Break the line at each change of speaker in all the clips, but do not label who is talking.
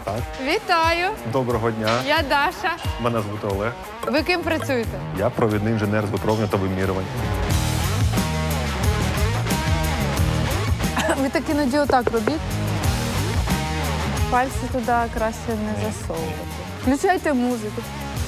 Так.
Вітаю!
Доброго дня.
Я Даша.
Мене звати Олег.
Ви ким працюєте?
Я провідний інженер з випробування та вимірювань.
Ви так іноді отак робіть. Пальці туди краще не засовувати. Включайте музику.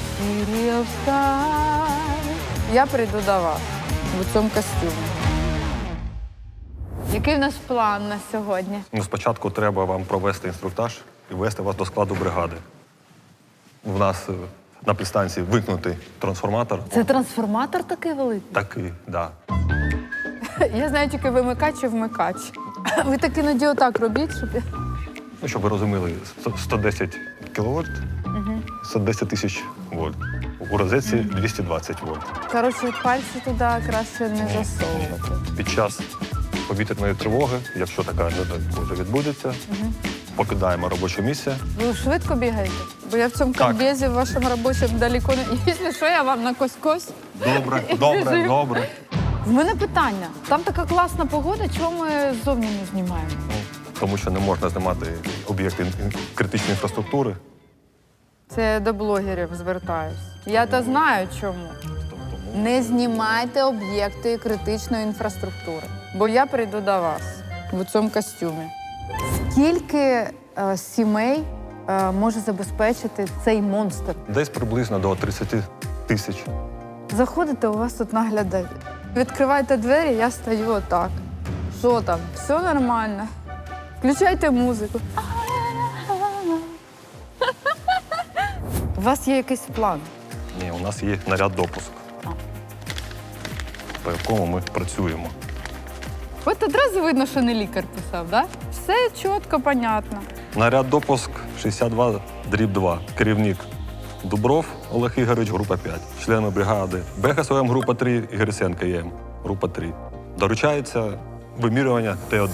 Я прийду до вас в цьому костюмі. Який в нас план на сьогодні?
Ну, спочатку треба вам провести інструктаж і ввести вас до складу бригади. У нас на підстанції вимкнутий трансформатор.
Це трансформатор такий великий?
Такий, так. Да.
Я знаю тільки вимикач і вмикач. Ви так іноді отак робіть, щоб...
Ну, щоб ви розуміли, 110 кВт, 110 тисяч вольт. У розетці 220 вольт.
Коротше, пальці туди краще не засовувати.
Під час повітряної тривоги, якщо така може відбудеться, покидаємо робоче місце.
Ви швидко бігаєте? Бо я в цьому
Так.
комбезі в вашому робочому далеко не... Якщо що, я вам на кось-кось.
Добре, добре, добре.
В мене питання. Там така класна погода, чому ми ззовні не знімаємо?
Тому що не можна знімати об'єкти критичної інфраструктури.
Це я до блогерів звертаюсь. Я то знаю чому. Не знімайте об'єкти критичної інфраструктури, бо я прийду до вас в цьому костюмі. Скільки сімей може забезпечити цей монстр?
Десь приблизно до 30 тисяч.
Заходите, у вас тут наглядають. Відкривайте двері, я стою отак. Що там? Все нормально. Включайте музику. У вас є якийсь план?
Ні, у нас є наряд допуск, по якому ми працюємо.
От одразу видно, що не лікар писав, так? Да? Все чітко, понятно.
Наряд допуск 62/2. Керівник Дубров Олег Ігорович, група 5. Члени бригади Бехас ОМ, група 3 і Гриценко ЄМ, група 3. Доручається вимірювання Т1.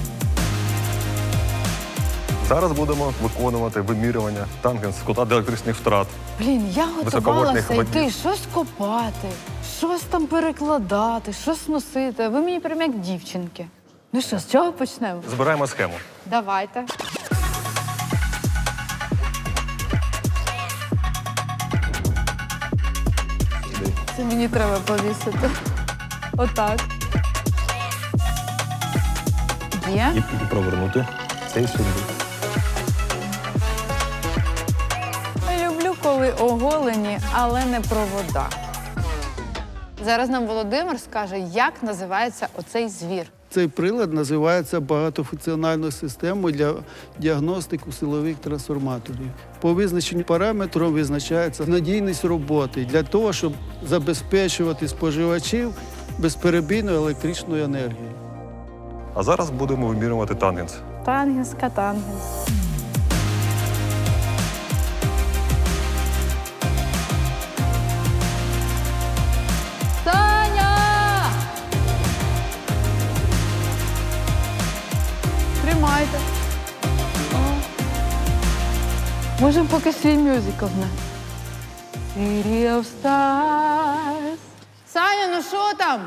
Зараз будемо виконувати вимірювання тангенс кута електричних втрат.
Блін, я
Високовольтних
готувалася йти,
водів.
щось копати, щось там перекладати, щось носити. Ви мені прям як дівчинки. Ну що, з чого почнемо?
Збираємо схему.
Давайте. Це мені треба повісити. Отак. Є?
І провернути цей сюди.
Люблю, коли оголені, але не провода. Зараз нам Володимир скаже, як називається оцей звір.
Цей прилад називається багатофункціональною системою для діагностики силових трансформаторів. По визначенню параметрів визначається надійність роботи для того, щоб забезпечувати споживачів безперебійною електричною енергією.
А зараз будемо вимірювати тангенс.
Тангенс, катангенс. Таня! Тримайте. Можемо поки свій мюзикл на. City of Stars. Саня, ну що там?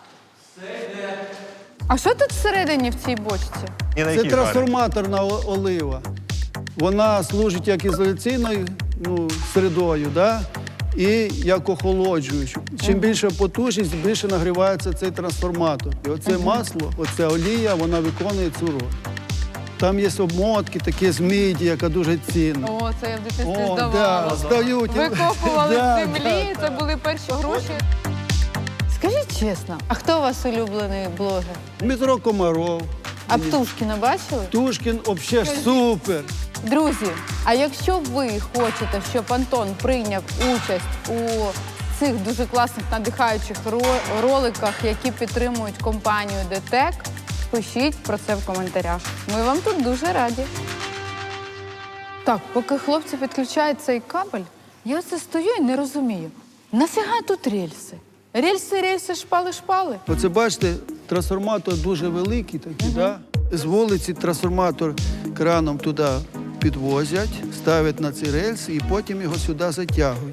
А що тут всередині в цій бочці?
І на
Це
якій
трансформаторна олива. Вона служить як ізоляційною середою, да? І як охолоджуючу. Чим більша потужність, більше нагрівається цей трансформатор. І оце масло, оця олія, вона виконує цю роль. Там є обмотки, такі з міді, яка дуже цінна.
О, це я в дитинстві
О,
здавала.
да, здають.
Викопували
Да,
в землі, це були перші гроші. Скажіть чесно, а хто у вас улюблений блогер?
Дмитро Комаров,
А Птушкіна бачили?
Тушкін, взагалі супер.
Друзі, а якщо ви хочете, щоб Антон прийняв участь у цих дуже класних надихаючих роликах, які підтримують компанію ДТЕК, пишіть про це в коментарях. Ми вам тут дуже раді. Так, поки хлопці підключають цей кабель, я оце стою і не розумію. Нафіга тут рельси? Рельси, шпали.
Оце бачите, трансформатор дуже великий такий, да? З вулиці трансформатор краном туди підвозять, ставлять на ці рельси і потім його сюди затягують.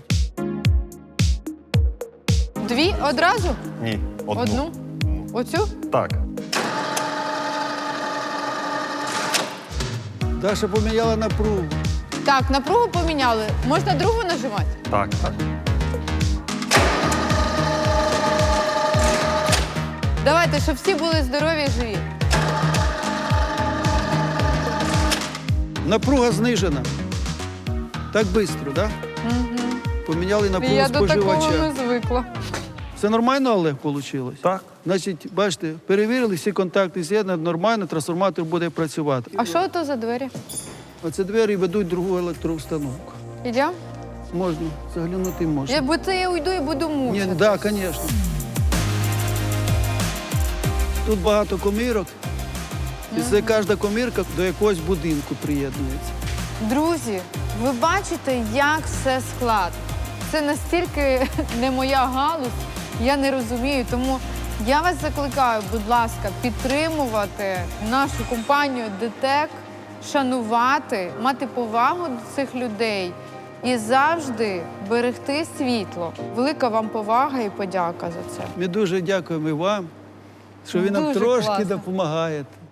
Дві одразу?
Ні, одну.
Одну? Оцю?
Так.
Даша поміняла напругу.
Так, напругу поміняли. Можна другу нажимати?
Так, так.
Давайте, щоб всі були здорові і живі.
Напруга знижена. Так швидко, да? Поміняли напругу
Я до такого
споживача.
не звикла.
Це нормально, Олег, вийшло?
Так.
Значить, бачите, перевірили всі контакти з'єднані, нормально, трансформатор буде працювати.
А що то за двері?
Оце двері ведуть в другу електроустановку.
Ідемо?
Можна, заглянути можна.
Бо це я уйду і буду
Ні,
мучити.
так, звісно. Тут багато комірок, і це кожна комірка до якогось будинку приєднується.
Друзі, ви бачите, як все складно. Це настільки не моя галузь, я не розумію. Тому я вас закликаю, будь ласка, підтримувати нашу компанію ДТЕК, шанувати, мати повагу до цих людей і завжди берегти світло. Велика вам повага і подяка за це.
Ми дуже дякуємо і вам, що ви нам
Дуже
трошки
класно.
допомагаєте.